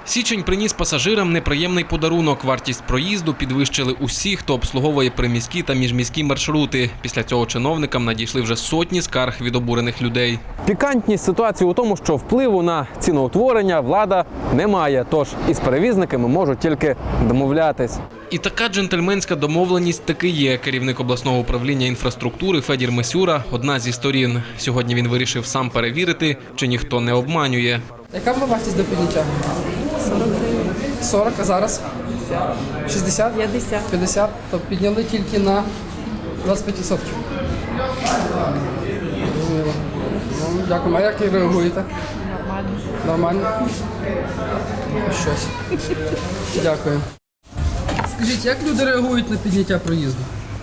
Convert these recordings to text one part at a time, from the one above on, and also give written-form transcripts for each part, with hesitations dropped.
Січень приніс пасажирам неприємний подарунок. Вартість проїзду підвищили усі, хто обслуговує приміські та міжміські маршрути. Після цього чиновникам надійшли вже сотні скарг від обурених людей. Пікантність ситуації у тому, що впливу на ціноутворення влада не має, тож із перевізниками можуть тільки домовлятись. І така джентльменська домовленість таки є. Керівник обласного управління інфраструктури Федір Мисюра – одна зі сторін. Сьогодні він вирішив сам перевірити, чи ніхто не обманює. Яка була вартість до підняття? 40 гривень. 40, а зараз? 60? 50. 50? То підняли тільки на 25%. Зрозуміло. Ну, дякую. А як ви реагуєте? Нормально. Нормально? Щось. Дякую. Скажіть, як люди реагують на підняття проїзду?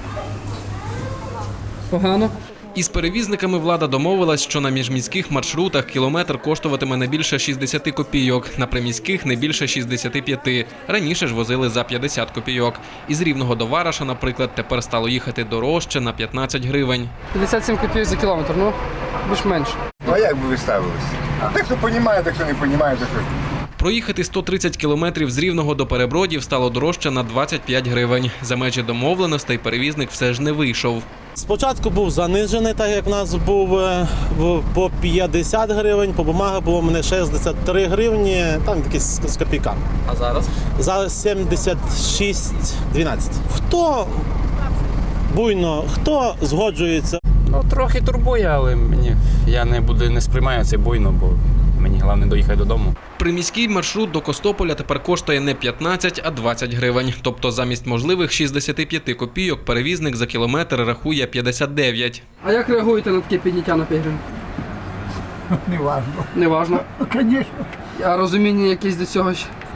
Погано? Із перевізниками влада домовилась, що на міжміських маршрутах кілометр коштуватиме не більше 60 копійок, на приміських – не більше 65. Раніше ж возили за 50 копійок. Із Рівного до Вараша, наприклад, тепер стало їхати дорожче на 15 гривень. 57 копійок за кілометр, ну, більш-менш. Ну а як би ви ставилися? Так, хто розуміє, так, хто не розуміє, так, що... Проїхати 130 кілометрів з Рівного до Перебродів стало дорожче на 25 гривень. За межі домовленостей перевізник все ж не вийшов. Спочатку був занижений, так як в нас був по 50 гривень, по бумаги було в мене 63 гривні, там якісь з копійками. А зараз? Зараз 76,12. Хто буйно, хто згоджується? Ну, трохи турбує, але я не сприймаю це буйно, бо мені головне доїхати додому. Приміський маршрут до Костополя тепер коштує не 15, а 20 гривень. Тобто замість можливих 65 копійок перевізник за кілометр рахує 59. А як реагуєте на таке підняття на 5 гривень? Не важно. Не важно. Звісно. А розуміння якесь до цього?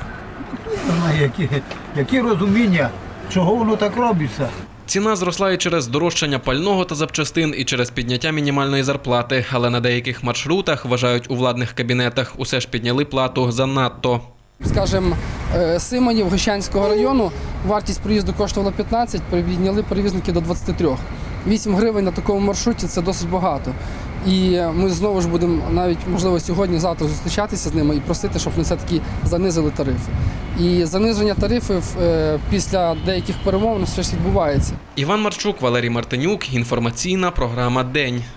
Які розуміння, чого воно так робиться? Ціна зросла і через здорожчання пального та запчастин, і через підняття мінімальної зарплати. Але на деяких маршрутах, вважають у владних кабінетах, усе ж підняли плату занадто. Скажімо, Симонів Гощанського району вартість проїзду коштувала 15, підняли перевізники до 23. 8 гривень на такому маршруті – це досить багато. І ми знову ж будемо навіть, можливо, сьогодні-завтра зустрічатися з ними і просити, щоб вони все-таки занизили тарифи. І заниження тарифів після деяких перемовин все ж відбувається. Іван Марчук, Валерій Мартинюк. Інформаційна програма «День».